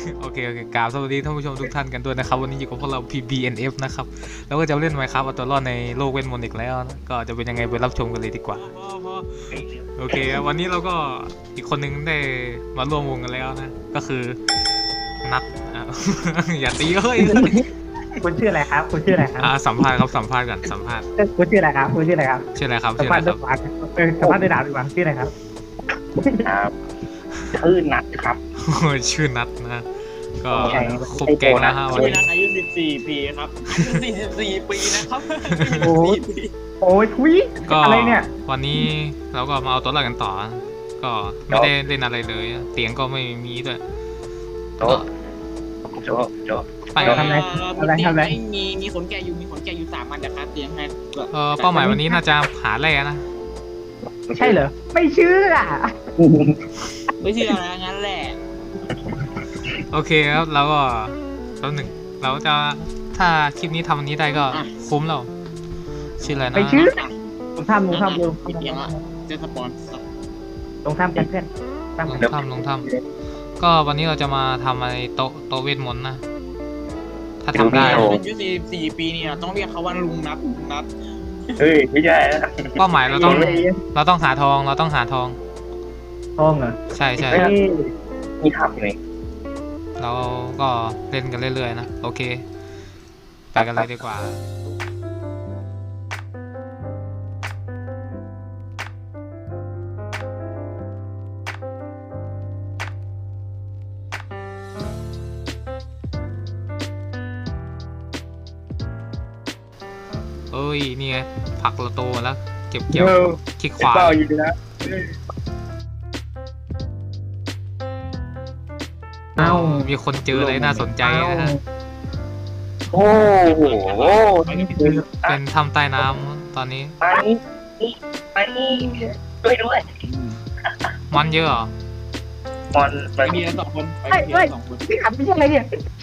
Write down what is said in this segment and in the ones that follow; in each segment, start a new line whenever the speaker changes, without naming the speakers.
โอเคกราบสวัสดีท่านผู้ชมทุกท่านกันด้วยนะครับวันนี้อยู่กับพวกเรา PBNF นะครับแล้วก็จะเล่น Minecraft เอาตัวรอดในโลกเวทมนต์อีกแล้วนะก็จะเป็นยังไงไปรับชมกันเลยดีกว่าโอเควันนี้เราก็อีกคนนึงได้มาร่วมวงกันแล้วนะก็คือนัทอย่าตีเฮ้ย
คุณชื่ออะไรครับคุณชื่ออะไรครับ
สัมภาษณ์ครับสัมภาษณ์กันสัมภาษณ์
คุณชื่ออะไรครับคุณชื่ออะไรครับ
ชื่ออะไรครับ
สัม
ชื่อ
ภา
อะ
ษ
ไร
ณ์
ค
ด้
รั
วย
บ
สัมภาษณ์ด้วยดาวดีกว่าชื่ออะไรครับ
ครับชื่อนัดครับ
ชื่อนัทนะก็
ใช่
ครบแกงแล้วฮะวัน
ชื่อ
นี้
นัดอายุ14 ปีครับ44 ปีนะครับ
โอ้ยโอ้ยทุย
ก็
อะไรเนี่ย
วันนี้เราก็มาเอาตัวรอดกันต่อ ก็ไม่ได้เล่นอะไรเลยเตียงก็ไม่มีด้วย
โจ๊ะโจ๊ะโจ๊ะ
ไป
มีขนแกะอยู่3 อันนะครับเตียงให้
เป้าหมายวันนี้น่าจะหาแร่นะ
ใช่เหรอไม่เชื่อ
ไม่เชื่ออะไรงั้นแหละ
โอเคครับแล้วก็แล้วหนึ่งเราจะถ้าคลิปนี้ทำวันนี้ได้ก็คุ้มแล้วชื่ออะไรนะ
ไม่เชื่อลงถ้ำลงถ้ำลง
เตียงละจะสปอน
ลงถ้ำกันเพื่อนตั้ง
ลงถ้ำก็วันนี้เราจะมาทำอะไรโต๊ะเวทมนต์นะถ้าทำได้
อายุ44 ปีเนี่ยต้องเรียกเขาว่าลุงนัด
เฮ้ยไม่ใช่
เป้าหมายเราต้องหาทองเราต้องหาทอง
ท้องเหรอ
ใช่
เฮ้ย
มีถามอยู่ไหน
เราก็เล่นกันเรื่อยๆนะโอเคไปกันเลยดีกว่าเอ้ยนี่ไงผักเราโตแล้วเก็บเกี่ยวคลิกขวา
เปล่าอยู่นะ
เอ้า
มีคนเจออะไรน่าสนใจนะฮะ
โอ้โห
เป็นถ้ำใต้น้ำตอนนี้
ไปด้วยด้วย
มันเยอะเหรอ
มัน
ไปเพียง2 คนไปเพียง2 คน
พี่ขับไม่ใช่อะไรเนี่ย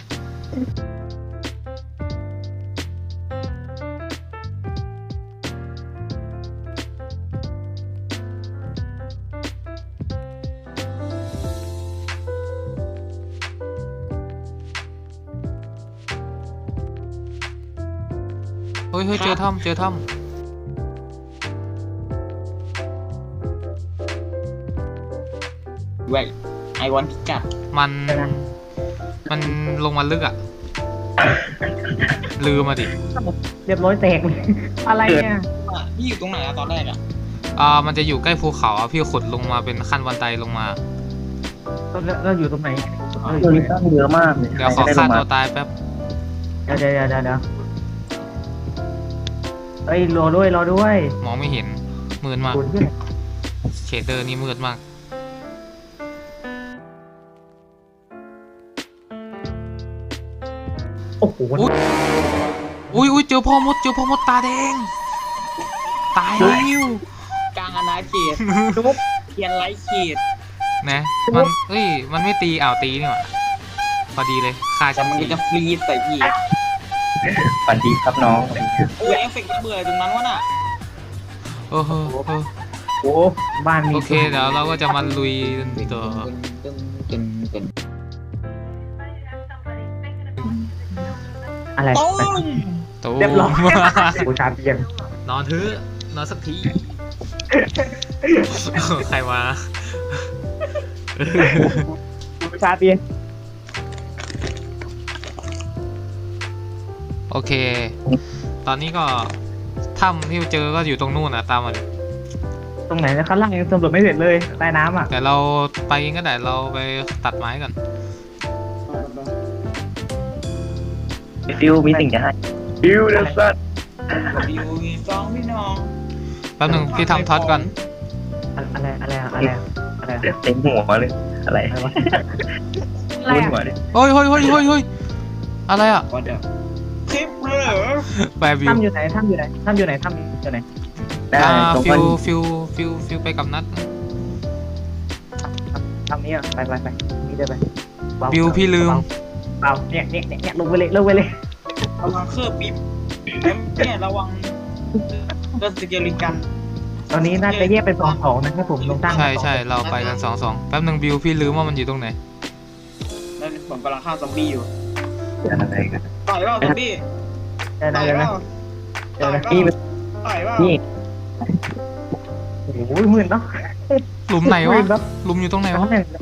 เฮ้ยเจอถ้ำ
แหวกไอวอนพิกัด
มันลงมาลึกอ่ะ ลืมมาดิ
เรียบร้อยแตกเลยอะไรเนี่ย
พี่อยู่ตรงไหนอะตอนแรกอะ
มันจะอยู่ใกล้ภูเขาอ่ะพี่ขุดลงมาเป็นขั้นบันไดลงมา
เราอยู่ตรงไหน
ตัวนี้ตั้งเยอะมากเลย
เดี๋ยวขอฆ่าตัวตายแป๊บ
เดี๋ยวเฮ้ยรอด้วย
มองไม่เห็นมืดมาก
คุณชื่อ
เชดเดอร์นี่มืดมาก
โอ้โห
อุ้ยเจอพ่อมดตาแดง ตายแล้ว
กลางอาณาเขตเทียนไร้เขต
นะมันไม่ตีตีนี่หว่าพอดีเลยฆ่า
แต่
ฉัน
มัน
ที
จะฟรีใส่พี่
ฝันดีครับน้อง
โอ้ยเอฟเฟกต์ระเบิดตรงนั้นวะน่ะ
โอ้โห
โอ้บ้านมี
โอเคเดี๋ยวเราก็จะมาลุยต่อ
อะไร
ต้ม
ตู
เรียบร้อยบูชาเตียง
นอนเถอะนอนสักที ใครมา
บูชาเตียง
โอเค ตอนนี้ก็ถ้ำที่เจอก็อยู่ตรงนู่นตามมาดิ
ตรงไหนนะข้างล่างยังสำรวจไม่เสร็จเลยใต้น้ำอ่ะ
แต่เราไปเองก็ได้เราไปตัดไม้ก่อน
ฟิวมีสิ่งจะให้ฟิวเดอะซัน
วิวสองพี่น้อง
แป๊บหนึงพี่ทำท็อตก่อน
อะไร
เต็มหัวเลยอะไร
อะไรวะ
บนหัวเลย
เฮ้ยอะไรอ่ะ
ก็เดี๋ยวคลิปเหรอ
แปรวิว
ถ้ำอยู่ไหน
ได้ตรง
ฟิ
นั้น
วไปกับนัด
ถ้ำนี้อ่ะไปนี่ได้ไป
วิวพี่ลืม
เปล่าเนี่ยลงไปเลย
ระวังเครื่องปิ๊บเนี่ยระวังก็สเกลิกัน
ตอนนี้น่าจะแยกเป็น2นะครับผมลงตั้ง
ใช่เราไปกัน2 แป๊บหนึงวิวพี่ลืมว่ามันอยู่ตรงไหน
แล้วผมผมกำลังฆ่าซอมบี้อยู่
อะไรกัน
ต่อยเปล่าซอมบี้
เดี๋ยว
ต่
นะ
อย
เดี๋ยว
เป
นะ
ล่า
เดี๋ยวนะ
นี่มัน
ต่อยเปล่า
นี่
โอ้โหหมื่นเนาะ
หลุมไหนวะ
เนาะ
หลุมอยู่ตรงไหน
แต่
วะ
ว่าเนี่ย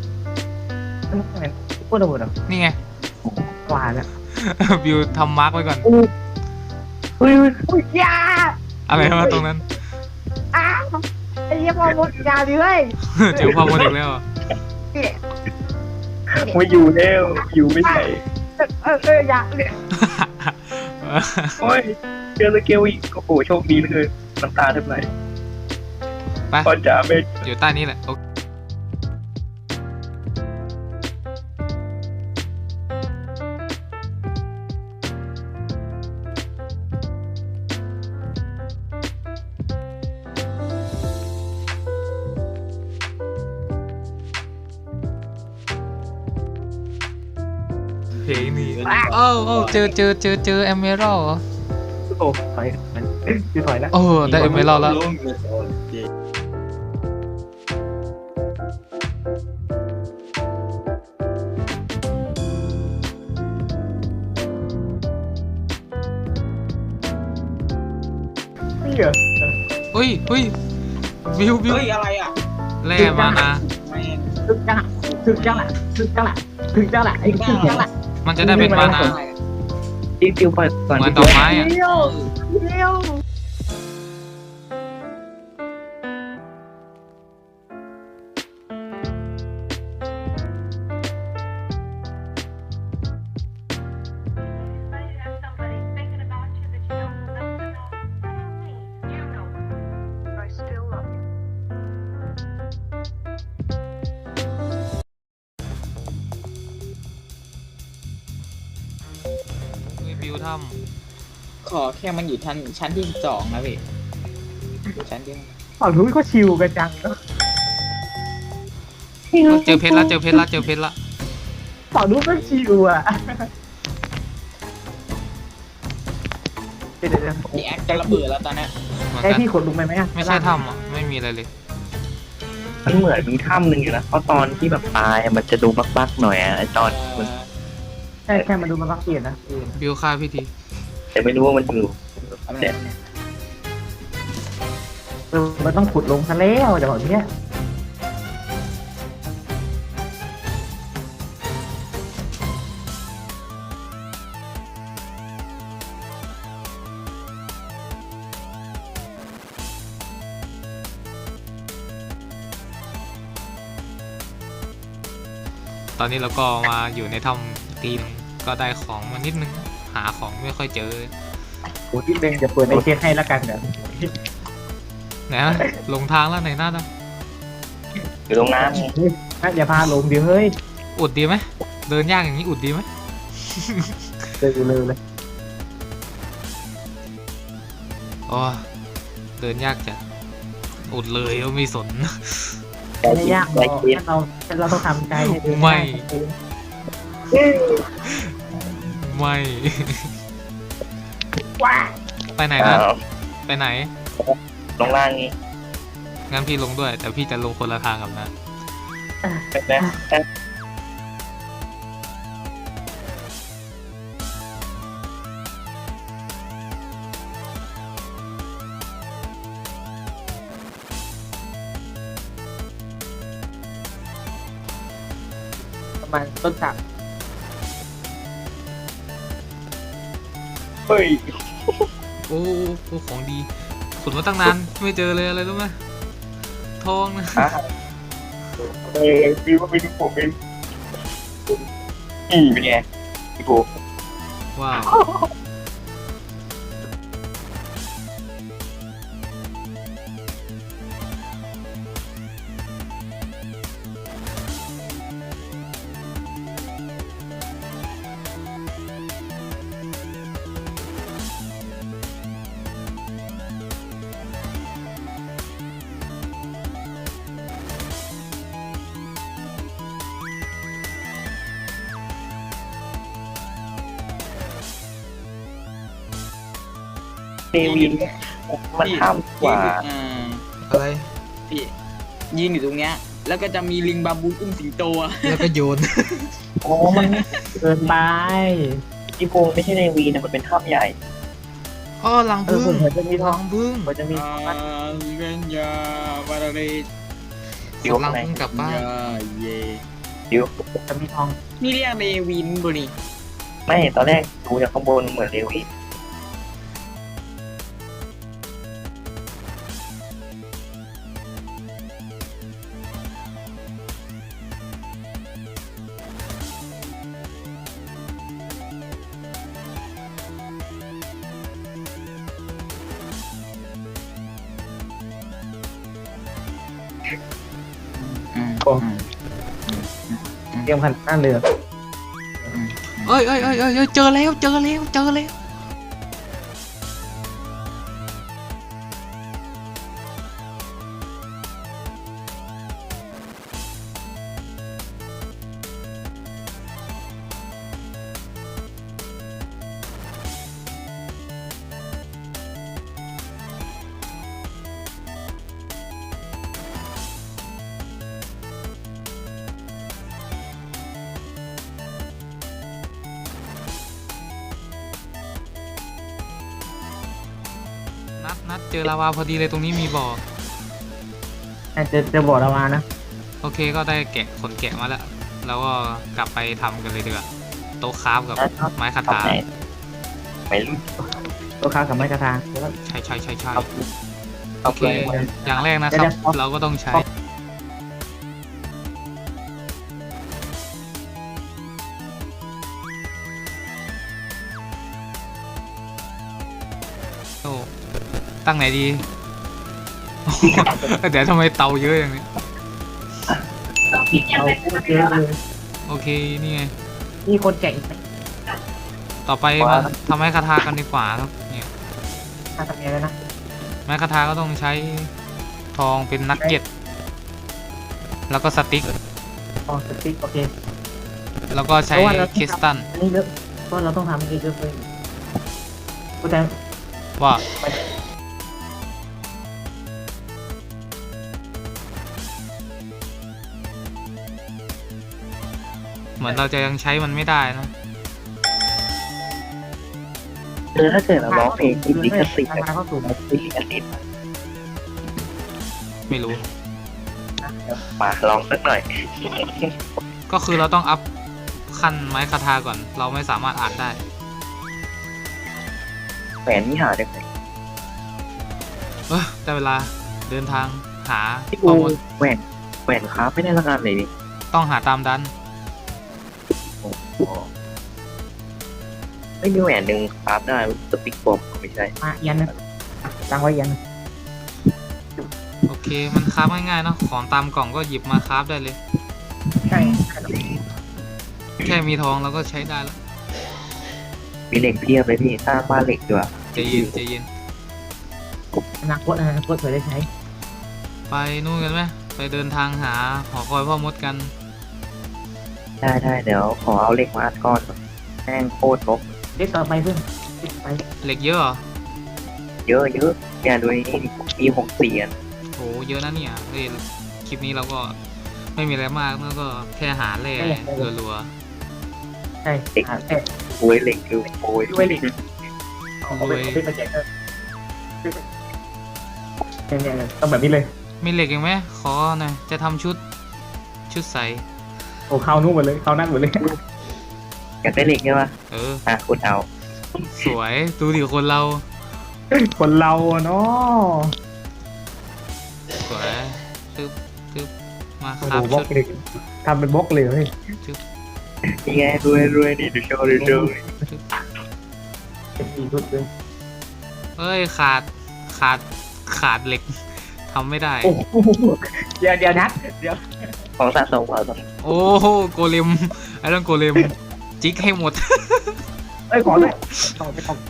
พูดระเบิดเหรอ
นี่ไง
หวานอ่ะ
บิวทำมาร์กไว้ก่อน
อุ้ยอุ้ยยา
อะไรวะตรงนั้น
อ้าวไอ้เหี้ยพอหมดยาดิเว้ย
เจอพ่อโมเด็กแล้วอะ
ไม่อยู่แล้วอยู่ไม่ใช่
ยา
โอ้ยเจอสเกลอีกโอ้โหโชคดีเหลยน้ำตาแทบไหล
ไป
พ่อจ๋าไม่
อยู่ใต้นี้แหละโอเคเพลงนี้เอ้าเจอเอเมอรัลด์เหรอ
โอ้ถอยมันคือถอยแล้ว
เออได้เอเมอรัลด์แล้ว
นี่เหรอ
เฮ้ยบิว
เฮ้ยอะไรอ่ะ
แร่มานะ
แม่ง
ถึงจังละถึงจังละถึงจังละถึงจังละไอ้ถึงจังละ
มันจะได้เป็นมานะ
ติวไปก่อน
เหมือนดอกไม้อะ
เดียวเดียว
เฮ้ยบิวท
ขอแค่มันอยู่ชั้นที่2นะพี่ชั้นที่
ฝั่งนู้นก็ชิวกันจังเนาะ
ำเจอเพชรละเจอเพชรละ
ฝั่งนู้นก็ชิวอ่ะเดี๋ยว
พี่แอคจะระเบิดแล้วตอนเนี้ย
เหมือน
ให้
กัน
พี่ขนลุงไปไหมอ่ะ
ไม่ใช่ถ้ำอ่ะไม่มีอะไรเลย
มันเหมือนมีถ้ำหนึ่งอยู่นะเพราะตอนที่แบบตายมันจะดูบักๆหน่อยอะไอ้ตอนมัน
แค่มาดูมันพักเปลี่ยนนะ
บิวฆ่าพี่ที
แต่ไม่รู้ว่ามันอยู่
เอาไป
เนี่ย
มันต้องขุดลงซะแล้วเดี๋ยวแบบเนี้ย
ตอนนี้เราก็มาอยู่ในถ้ำตีนงก็ได้ของมานิดนึงหาของไม่ค่อยเจอ
โอ้ที่เบงจะเปิดในเชนให้แล้วกันเดี๋ยว
ไหนนะลงทางแล้วไหนหน้านะ
อยู่ตรงน้ำ
อย่าพาลงดิเฮ้ย
อุดดีไหมเดินยากอย่างนี้อุดดีไหม
เลย
อ๋อเดินยากจัดอุดเลยก็ไม่สน
ไม่ยากหรอกเราต้องทำใจให้ดี
ไม่ ไม่
ว้า
ไปไหน
อ้า
นะ
ว
ไปไหน
ลงล่างนี้
งั้นพี่ลงด้วย แต่พี่จะลงคนละทางกับนะ
เป็นไหม
ประมาณต้นสัก
เฮ้ย
โอ้ของดีขุดมาตั้งนานไม่เจอเลยอะไรรู้ไหมทองนะ
พี่ว่าไปดูผมเป็นนี่เป็นไงพี่ปู
ว้าว
เซวินมันห้ามกว่า
อะไร
พี่ยืนอยู่ตรงเนี้ยแล้วก็จะมีลิงบาบูนอุ้มสิงโตอะ
แล้วก็โยน
โอ้มัน
เกินไป
ที่โพไม่ใช่ในวีนะมันเป็นถ้ำใหญ่
อ๋อหลัง
เออ
พึ่ง
ผมจะมีท
ห
อ
ลั
ง
งพึ่ง
ผมจะมี
เวนยาบาราเร
เดี๋ยว
หลังพึ่งกลับบ้าน
ยาเย
เดี๋ยว
จะมีทอง
นี่เรียกเรวินบุรี
ไม่ตอนแรกดูจากข้างบนเหมือนเรวี
เตรียมขันหน้าเรือ
เอ้ยเจอแล้วเจอแล้วเจอแล้ว นัดเจอลาวาพอดีเลยตรงนี้มีบ่อ
จะบอกเรามานะ
โอเคก็ได้แกะขนแกะมาแล้วแล้วก็กลับไปทำกันเลยดีกว่าโต๊ะคราฟกับไม้คา
ทำ
ถา
ไหนไม่รู้
ตัวค้ากับไม้กระทาแล้วก็
ใช่
เอา
โอ
เอา
เค
ไป
อย่างแรกนะครับ เราก็ต้องใช้โอ้ตั้งไหนดี เดี๋ยวทำไมเตาเยอะอย่างนี้
เอาพูดเยอะเลย
โอเคนี่ไง
นี่คนแก่ง
ต่อไปมาทำไม้คาถากันดีกว่าครับเนี่ย
มาทำยังไงนะ
ไม้คาถาก็ต้องใช้ทองเป็นนักเก็ตแล้วก็สติ๊ก
อ๋อสติ๊กโอเค
แล้วก็ใช้คริสตัล
อันนี้เยอะเพราะเราต้องทำเยอะเลยกูแต่
ว่าเหมือนเราจะยังใช้มันไม่ได้นะ
ถ้าเกิดเราร้องเพลงที่ลิขสิทธิ์
ทางมาเข้าสู่
เราติดลิขสิทธิ์
ไม่รู้
มาลองสักหน่อย
ก็คือเราต้องอัพขั้นไม้คาถาก่อน เราไม่สามารถอ่านได้
แหวนนี่หาได้ไหม
ได้เวลาเดินทางหา
ที่
ข้
กู
อมูล
แหวนค้าไม่ได้ละกันเลยดิ
ต้องหาตามดัน
ไม่มีแหวนหนึ่งคราฟได้สติ๊กบอมไม่ใช่
มายันนะตั้งไว้ยัน
โอเค มันคราฟง่ายๆเนาะ ของตามกล่องก็หยิบมาคราฟได้เลย
ใช่
แค่มีทองเราก็ใช้ได้แล้ว
มีเหล็กเพียบเลยพี่สร้างบ้านเหล็กด้วย
ใจเย็นใจเย็น
อนาคตเผื่อได้ใช้
ไปนู่นกันไหมไปเดินทางหาหอคอยพ่อมดกัน
ได้เดี๋ยวขอเอาเหล็กมาอัดก้อนก่อนแม่งโคตรลบ
เด็กต่อไปเพื่อนไป
เหล็กเยอะเหรอ
เยอะอย่าดูนี่มี64อัน
โหเยอะนะเนี่ยเฮ้ยคลิปนี้เราก็ไม่มีอะไรมากแล้วก็แค่หาแร่รัว
ใช่แต่
โอ้ยเหล็กคือโอ้ย
ด้วยเหล็กเอาไปแจกเนี่ยต้องแบบนี้เลย
ๆมีเหล็กอีกไหมขอหน่อยจะทำชุดใส
โอ้เข้านู่นหมดเลยเข้านั่นหมดเลย
อยากได้เหล็กใช่ปะ
เออ
คุณเอา
สวยดูดิคนเรา
คนเราเนาะ
สวยตึ๊บมา
โอ้
ครั
โห
บบ
ล็อ
ชุ
ก
ด
เลยทำเป็นบล็อกเลยเฮ้ย
นี่ไงรวยนี่ดูโชว์
เป็นอีชุดเลย
เอ้ยขาดเหล็กทำไม่ได้
โอ้โหเดี๋ยวนัดเดี๋ยว
ของสะสมเอาสะ
โอ้โหโกเลมไอ้เรื่องโกเลมจิกให้หมด
เอ้ยขอเลยต้องไปต้อง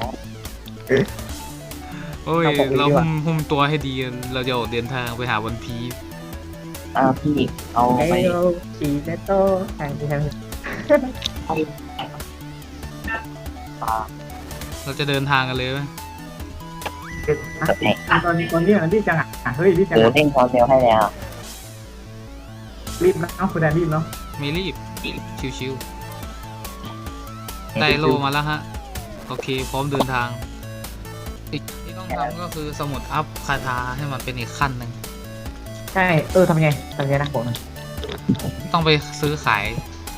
โอ้ย
เอาของดี
เรา
ดีกว่า
หุ้มตัวให้ดีเราจะออกเดินทางไปหาวันพีช
พี่เอา
ไอ้
ไป
เราสีเมโต้แข่งที่แข่ง
เราจะเดินทางกันเลยไหม
ตอนนี้ที่จังอ่ะเฮ้ยที่จัง
หมูเด้งความเร็วให้แล้ว
รีบนะเนาะคุณแดนรีบเนาะ
ไม่รีบ ชิวๆได้โลมาแล้วฮะ โอเค พร้อมเดินทางอีกที่ต้องทำก็คือสมุดอัพคาถาให้มันเป็นอีกขั้นหนึ่ง
ใช่ทำไงนะบอกหน่อย
ต้องไปซื้อขาย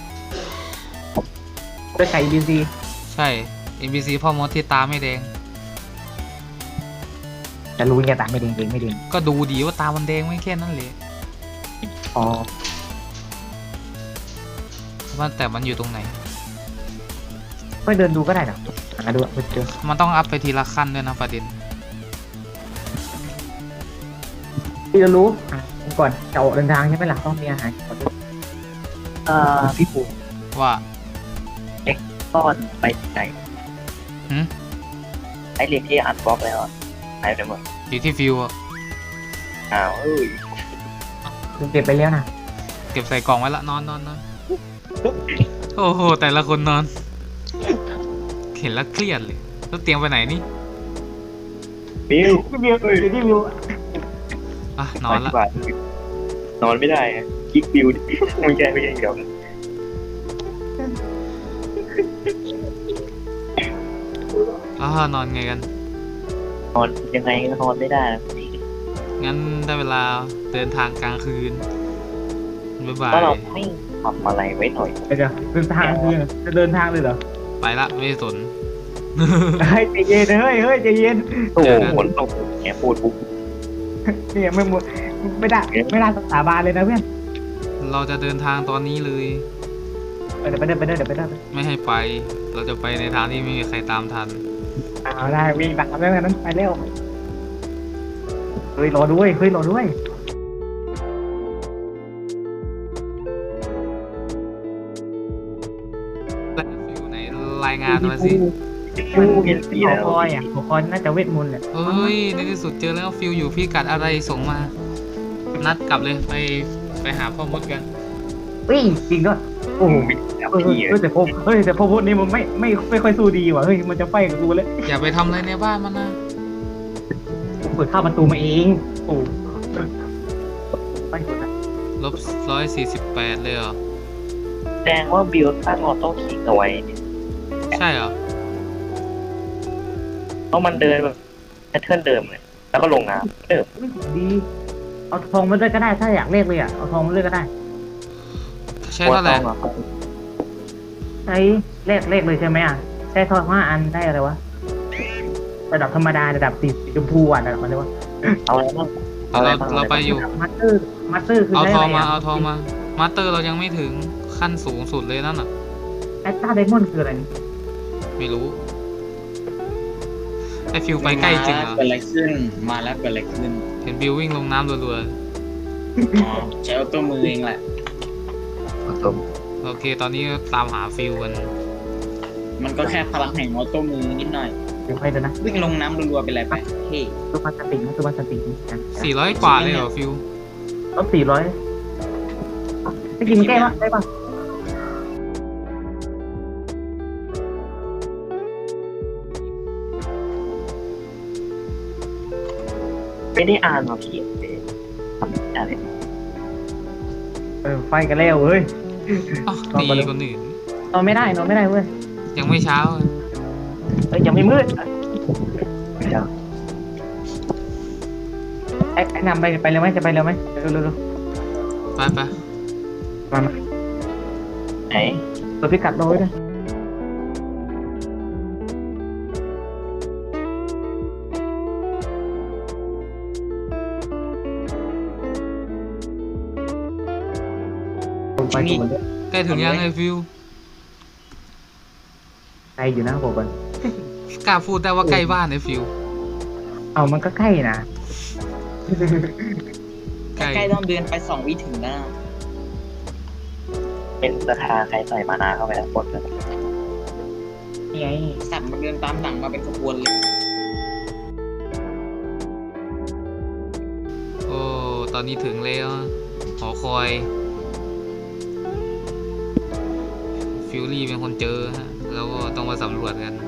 ไปไก่บีซี
ใช่ NPC พ่อมดที่ตาไม่แดง
จะรู้ไงต่างไม่ดึงไม่ดึง
ก็ดูดีว่าตามันแดงไม่แค่นั้นเลย
อ๋อ
ว่าแต่มันอยู่ตรงไหน
ค่อยเดินดูก็ได้นะหาดูเจอ
มันต้องอัพไปทีละขั้นด้วยนะประเด็น
พี่จะรู้ก่อนจะออกเดินทางใช่ไหมล่ะต้องมีอาหารก่อนด้วย
พี่ปู
ว่า
ซ่อนไปไหน
หืม
ไอเหล็กที่อัดบล็อกแล้วอะหายไปหมด
อยู่ที่ฟิวอะ
อ้าวเอ้ย
เก็บไปแล้วนะ
เก็บใส่กล่องไว้ละนอนโอ้โห แต่ละคนนอน เห็นแล้วเครียดเลยแล้วเตรียมไปไหนนี่
บิว
พี่วิวอยู่ที่วิว
อ่ะนอนละ
นอนไม่ได้อะคิกบิวไม่ใช่เดี๋ยว
นอนไงกัน
นอนยังไงก็นอนไม่ได้นะ
งั้นได้เวลาเดินทางกลางคืน บ๊ายบาย
ถ้าเราไม่ทำอะไรไว้หน่อย
เดี๋ยวเดินทางคือจะเดินทางเลยเหรอ
ไปละไม่สน
เฮ้ยใจเย็นเฮ้ยใจเย็น
โอ้
เจ
โห
อกัน
ฝนตกแกพูดปุ๊บ
เนี่ยไม่ได้สาบานเลยนะเพื่อน
เราจะเดินทางตอนนี้เลย
เดี๋ยวไปเดิน
ไม่ให้ไป เราจะไปในทางที่ไม่มีใครตามทัน
เอาได้วิ่งตามแล้วนั้นไปเร็วเฮ้ยรอด้วย
แล้วฟิวไหนรายงานมาสิ
เปลี่ยนสี
หัว
แล้ว
คอยหัวคอยน่าจะเวทมนต์แหละ
เอ้ย ในที่สุดเจอแล้วฟิวอยู่พี่กัดอะไรส่งมา นัดกลับเลยไปหาพ่อมดกัน
วิ่งจริงด้วยโอ้โห
แล้วพี่
แต่พอพูดนี่มันไม่ค่อยสู้ดีว่ะเฮ้ยมันจะไฟกับกูเลย
อย่าไปทำอะไรในบ้านมันนะ
เปิดเข้าประตูมาเองโอ้ไปสุดนะ
-148เลยเหรอ
แสดงว่าบิวตั้งออโต้คลิกเอาไว้เนี่ย
ใช่เหรอ
เพราะมันเดินแบบแพทเทิร์นเดิมเลยแล้วก็ลงน้ำเดิม
ดีเอาทองมาด้วยก็ได้ถ้าอยากเลขเลยอ่ะเอาทองมาด้วยก็ได้
ใช่เท่าไหร่
ใช้เลขเลยใช่ไหมอ่ะใช้ทอง5 อันได้อะไรวะระดับธรรมดาระดับสีชมพูอ่ะระดับอะไรวะ
เอาอะไรบ้าง
เราไปอยู่
มาสเตอร์คือ
เอา
ได้
ท
อะ
อง
ไร
มา
อ่ะ
เอาทองมา มาสเตอร์เรายังไม่ถึงขั้นสูงสุดเลยนั่นน่ะ
แอตตาไดมอนด์คืออะไรนี่
ไม่รู้ ไอฟิวไปใกล้จริงเหรอ
เกิดอะไรขึ้น มาแล้วเกิดอะไรขึ้น
เห็นบิววิ่งลงน้ำรัว
อ๋อใช้ออโต้มือเองแหละ
ๆ โอเค ตอนนี้ตามหาฟิวกัน
มันก็แค่พลังแห่งออโต้มือนิดหน่อย
เดี๋ยวไปดูนะ
วิ่งลงน้ำรัวๆเป็นไรไปเฮ้
ตัวมันสตินะตัวมันสตินะ
400 กว่าเลยเหรอฟิว
ต้อง400ไม่กินแก้ปะได้ปะ
ไม่ได้อ่านมาพี่ทำอะไร
ไฟกันแล้วเฮ้ย
อ๋อดีคนอื่น
นอนไม่ได้เว้ย
ยังไม่เช้า
ยังไม่มืด
ไม่ได้
ไอ้นำไปเร็วไหมจะไปเร็วไหมเร็ว
ไป
มา
ไหน
ตัวพิกัดโดยด้วยไปดูมันด้วย
ใกล้ถึงยังไอฟิว
ไกลอยู่นะบอกก่อน
กล้าพูดได้ว่าใกล้บ้านไอฟิว
เอามันก็ใกล้นะ
ใกล้
ใกล้ต้องเดินไป2 วิถึงแล้วนะ
เป็นราคาใครใส่มานาเข้าไปแล้วกดเลย
นี่ไง
สัตว์มันเดินตามหลังมาเป็นขบวนเลย
โอ้ ตอนนี้ถึงแล้วหอคอย ฟิวรี่เป็นคนเจอฮะ แล้วก็ต้องมาสำรวจกัน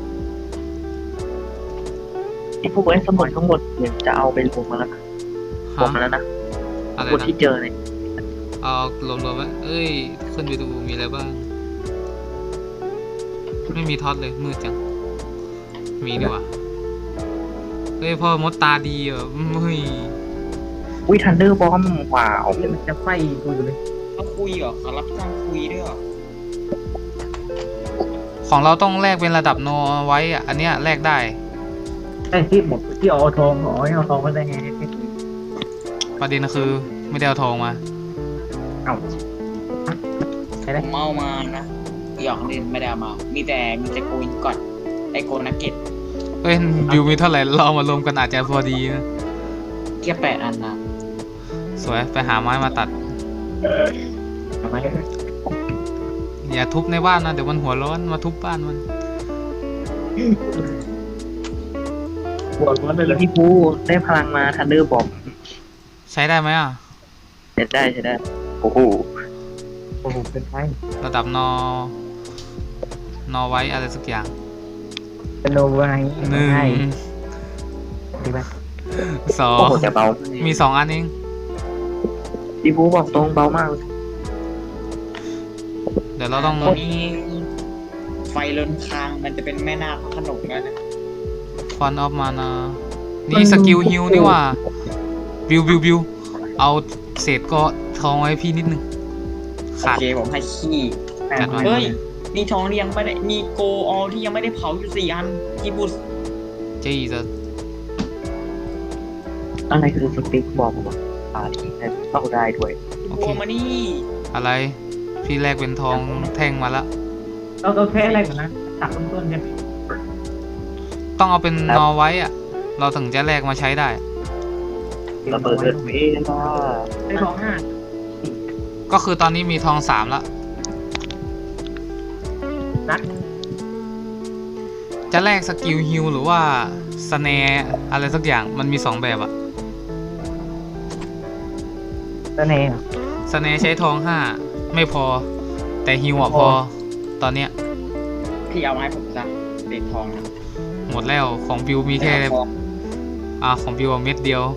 ที่พวกไอ้สมุดทั้งหมดเนี่ยจะเอาไปรวมมาแล้วนะรวมมาแล้วนะ
อะไร
คน
นะ
ที่เจอเนี่ย
เอารวมๆไว้เอ้ยขึ้นไปดูมีอะไรบ้างไม่มีท็อตเลยมืดจังมีดีกว่าเฮ้ยพ่อมดตาดีอ่ะเฮ้ย
อุ้ยทันเดอร์บอมว้าว
มันจะไฟดูอยู่เลย
เขาคุยเหรอเขารับจ้างคุยด้วยเหรอ
ของเราต้องแลกเป็นระดับโนไว้อ่ะอันเนี้ยแลกได้
ไอ้ที่หมดที่เอาทองเอาทองก็ได้ไง
ประเด็นคือไม่ได้เอาทองมา
เอาใช่
ผ
ได้
มเอามานะหยอกเล่นไม่ได้เอามา มีแต่โกนก่อนไอโกนักเก็ต
เอ้ยบิวมีเท่าไหร่เราเอามารวมกันอาจจะพอดีนะ
แค่8 อันนะ
สวยไปหาไม้มาตัด
ทำไม
อย่าทุบในบ้านนะเดี๋ยวมันหัวร้อนมาทุบบ้านมัน
ปวดมันเลย
พี่ภูได้พลังมาทันเดอร์บอม
ใช้ได้ไหมอ่ะ
ใช้ได้ใช้ได้โอ้โห
โอ้โหเป็นไฟ
ระดับนอไว้อะไรสักอย่าง
เป็นโนไว
หนึ่ง
ดีไหม
สอ
โอ้
ง
โหจะเบา
มี2 อันเอง
พี่ภูบอกตรงเบามาก
เดี๋ยวเราต้อง
มีไฟล้นคางมันจะเป็นแม่นาคขนมแล้วนะ
ฟอนออฟมานะนี่สกิลฮิลนี่ว่าบิวเอาเศษก็ทองไว้พี่นิดนึง
โอ
ขาด
เคผมให้ขี้
จัดมา
เฮ้ยมีทองที่ยังไม่ได้มีโกออลที่ยังไม่ได้เผาอยู่4 อันกีบุส
จี้จะ
อะไรคือสติ๊กบอมวะที่ต้องได้ด้วย
โอ
โก
เค
มานี่
อะไรพี่แลกเป็นทองแท่งมาละ
เราแค่อะไรก่อนนะตัดต้นๆกัน
ต้องเอาเป็นนอไว้อะเราถึงจะแลกมาใช้ได้
ระเบิดเวลา
ได้ทอง5
ก็คือตอนนี้มีทอง3ละ
นัด
จะแลกสกิลฮิลหรือว่าสแนร์อะไรสักอย่างมันมี2 แบบอะ
ตะเน่
สแนร์ใช้ทอง5ไม่พอแต่ฮิลอะพอตอนเนี้ย
พี่เอาไม้ผมซะเด็กทองนะ
หมดแล้วของบิวมีแค่
ทอง
ของบิวเม็ดเดียว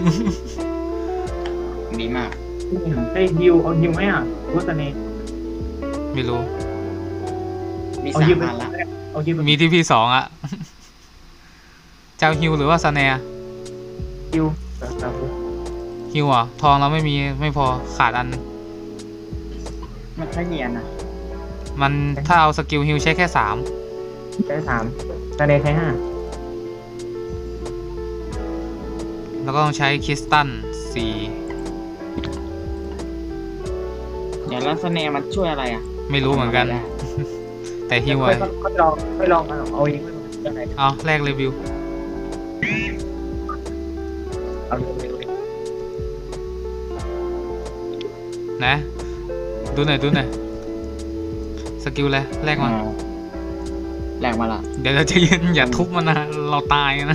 ดีมาก
ได้ฮิวเอาฮิวไหมอ่ะรู้ตะเน่
ไม่รู้
มี
เอาฮิว
3
ไป
อันละ
เอาฮิวไป
มีที่พี่2อะ เจ้าฮิลหรือว่าสแนร์
ฮิว
ฮิวอ่ะทองเราไม่พอขาดอัน
มันแค่เนียนนะ
มันถ้าเอาสกิลฮิลใช้แค่3
ใช้3ตะเน่ใช้5
แล้วก็ต้องใช้คริสตัล4
เดี๋ยวแล้วสแนร์มันช่วยอะไรอ่ะ
ไม่รู้เหมือนกัน แต่ฮิวอ่ะ
ค่อยลองเอาเองยังไง
เอาแรกเลยบิว
เอาเร็ว
นะดูหน่อยสกิลอะไรแรกมา
แรงมาละ
เดี๋ยวเราจะยืนอย่าทุบมันนะเราตายนะ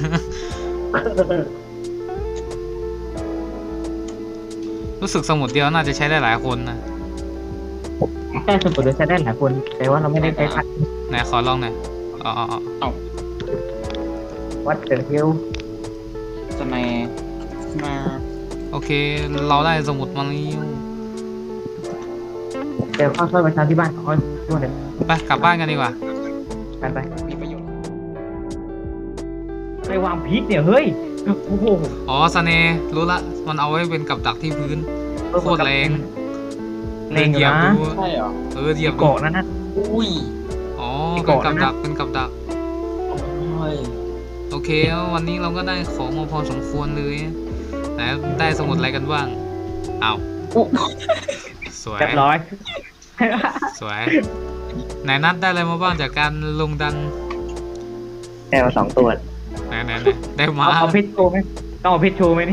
รู้สึกสมุดเดียวน่าจะใช้ได้หลายคนนะ
แค่สมมติใช้ได้หลายคนแต่ว่าเราไม่ได้ใช้พัด
ไหนขอลองหน่อยอ๋อ
วัดเดอร์ฮิล
สแนร์มา
โอเคเราได้สมุดมาแล้ว
เดี๋ยวค่อยๆไปทำที่บ้านค่อยช่วยเดี๋ยว
ไปกลับบ้านกันดีกว่า
กันไป
มีประโยชน์
ไปวางพิษเนี่ยเฮ้ยโอ้โห
อ๋อสเนร์รู้ละมันเอาไว้เป็นกับดักที่พื้นโคตรแรง
แรงอยู่
เหยียบ
นะ
ดู
ใช่เหรอ
เหยียบดู
เกาะนั่นนะ
อุ้ย
อ๋อ
มี
เป็น
เกาะ
กับ
นะ
ดักเป็นกับดัก
เฮ้ย
โอเควันนี้เราก็ได้ของมาพอสมควรเลยไหนได้สมุดอะไรกันบ้างอ้าวสวย
เรียบร้อย
สวยไหนนัดได้อะไรมาบ้างจากการลงดัน
ได้มา2 ตัว
ไหนได้มา
เอาเพชรโชว์ไหมต้องเอาเพชรโชว์ไหมนี่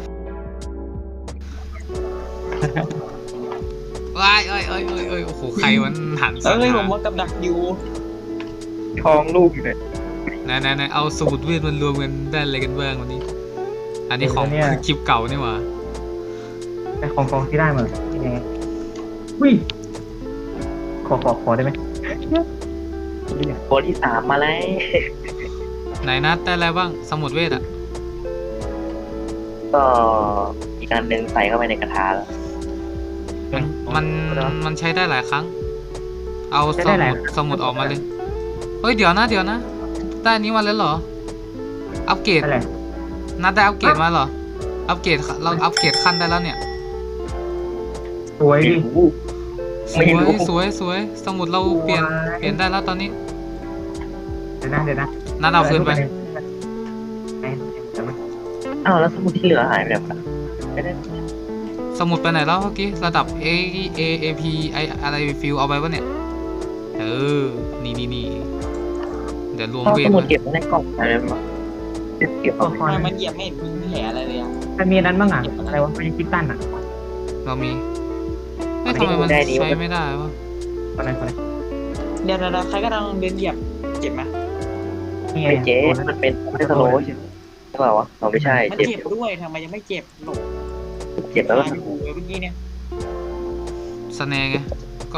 ว้ายเอ้ยโอ้โหใครมันหันสัง
เอ้ยผ
หาม ร
ว่ากับดักอยู่
ทองลูกอยู่เลย
ไหนเอาสมุดเวทมันรวมกันได้อะไรกันบ้างวันนี้ อันนี้ของคลิปเก่านี่หว่า
แต่ของที่ได้มายังไงวิ่ขอได้ไหม
ตัวที่ 3มาแล้ว
ไหนนัดได้อะไรบ้างสมุดเวทอ่ะ
ก็อีกอันหนึ่งใส่เข้าไปในกระทะแล้ว
มันใช้ได้หลายครั้ง เอา
ใช้
ส
ได้หลาย
มุดออกมาเลยเฮ้ยเดี๋ยวนะได้อันนี้มาแล้วเหรออัปเกรด
อะไร
นัดได้อัปเกรดมาเหรออัปเกรดเราอัปเกรดขั้นได้แล้วเนี่ย
สวยดิ
ส
ไม่
วย
รู้
สวยสมุดเราเปลี่ยนได้แล้วตอนนี้
เดี๋ยวนะ
นัดเอาคืนไป
ไหนเดี๋ยวมัน
อ้าวแล้วสมุดที่เหลือหายไปไหนหมดอะไม่ได้
สมุดไปไหนแล้วเมื่อกี้ระดับ A P ไออะไรฟิลเอาไปวะเนี่ยนี่เดี๋ยวรวม
เอา
เว
ส
ท
มุด
ไว้
เก็บไว้ในกล่องอะไรวะเก็บเอาไว้
คอน
ทำไมมันเหยียบไม่เห็นมีแผลอะไรเลยอ่ะ
มันมีอันนั้นบ้างอ่ะอะไรวะมันคิดตั้นอ่ะ
เรามีเฮ้ยทำไมมันใช้ไม่ได้วะ
คนไหน
เดี๋ยวใครก็ต้องเดินเหยียบเจ็บไหม
นี่ไง
ไม่เจ๊มันเป็นไม่สโลว์ใช่ไหมใช่เปล่าวะเราไม่ใช่
มัน
เจ็บ
เจ็บด้วยทำไมยังไม่เจ็บหลบ
เจ็บแล้วก็
ตายอยู่เมื่อกี้เนี่ย
สแนไงก็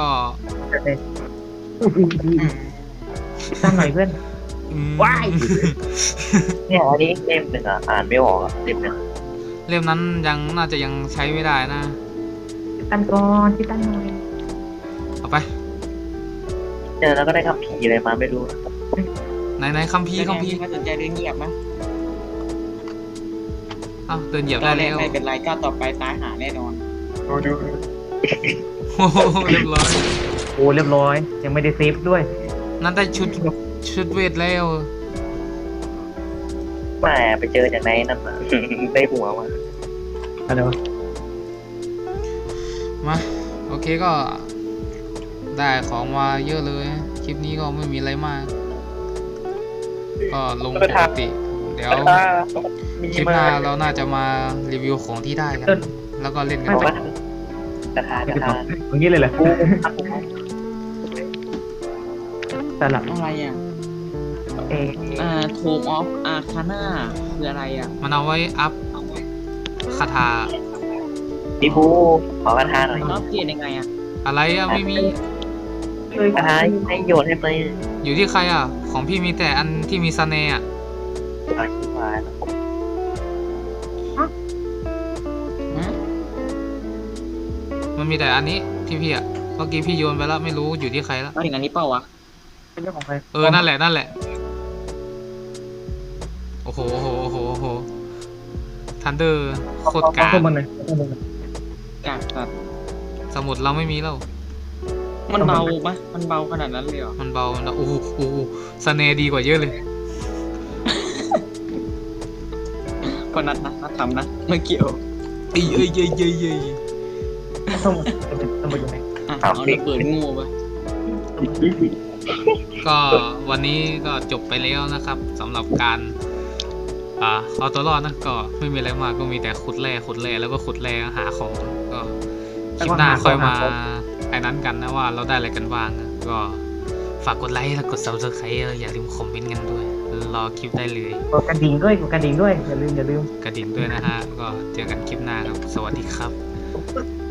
ตั้นหน่อยเพื่อน
อืม
ว้าย
เนี่ยอันนี้เล่มหนึ่งอ่ะอ่านไม่ออกอ่ะเล่มหนึ่ง
เล่มนั้นน่าจะยังใช้ไม่ได้นะ
ตั้นก่อนคิดตั้นหน่อย
เอาไป
เนี่ยแล้วก็ได้คำผีอะไรมาไม่รู้
ไหนคัมภีร์
ไม่สนใจเดินเหยียบไหม
อ้าวเดินเหยียบ
ต
ได้
อนแร
แล้
ก
ว
ไม่เป็นไรก้าวต่อไปตายหาแน่นอน
โอ้โหเรียบร้อย
โอ้เรียบร้อย ยังไม่ได้เซฟด้วย
นั่นได้ชุดเวทแล้ว
แหมไปเจอจากไหนนั่นน่ะ ได้หัวมา
อะไรวะ
มาโอเคก็ได้ของมาเยอะเลยคลิปนี้ก็ไม่มีอะไรมาก ก็ลงปกติ เดี๋ยวคลิปหน้าเราน่าจะมารีวิวของที่ได้กัน แล้วก็เล่นกัน
เอา
ต่อ
วะกระทากระทา
อย่างนี้เลยเหรอสลับ
อะไรอ่ะ
เอ
โทมออฟอาคาน่าคืออะไรอ่ะ
มันเอาไว้อัพคาถา
พี่บูขอกระทาหน่อย
แล้วเปลี่ยนยังไงอ่ะ
อะไรอะไม่มี
กระทาให้โยนให้ไป
อยู่ที่ใครอ่ะ ของพี่มีแต่อันที่มีสเนห์อ่ะ
เอาขี้มาแล้ว
มันมีแต่อันนี้ที่พี่อ่ะเมื่อกี้พี่โยนไปแล้วไม่รู้อยู่ที่ใครแล้ว
มาถึงอันนี้เปล่าวะ
เป็นเรื่องของใคร
นั่นแหละโอ้โหทันเดอร์โคตรกา
ข้อมูลเลย
กากแบบ
สมุดเราไม่มีแล้ว
มันเบาปะมันเบาขนาดนั้นเลยเหรอ
มันเบานะโอ้โหสเนห์ดีกว่าเยอะเลย
ก็นัดทำนะไม่เกี่ยว
เอ้ย
ข้อมูลอยู่ไหน
เอาระเบิดงูไป
ก็วันนี้ก็จบไปแล้วนะครับสำหรับการเอาตัวรอดนะก็ไม่มีอะไรมากก็มีแต่ขุดแร่แล้วก็ขุดแร่หาของก็คลิปหน้าค่อยมาไอ้นั้นกันนะว่าเราได้อะไรกันบ้างนะก็ฝากกดไลค์และกด subscribe อย่าลืมคอมเมนต์กันด้วยรอคลิปได้เลย
กดกระดิ่งด้วยอย่าลืม
กระดิ่งด้วยนะฮะก็เจอกันคลิปหน้าครับสวัสดีครับ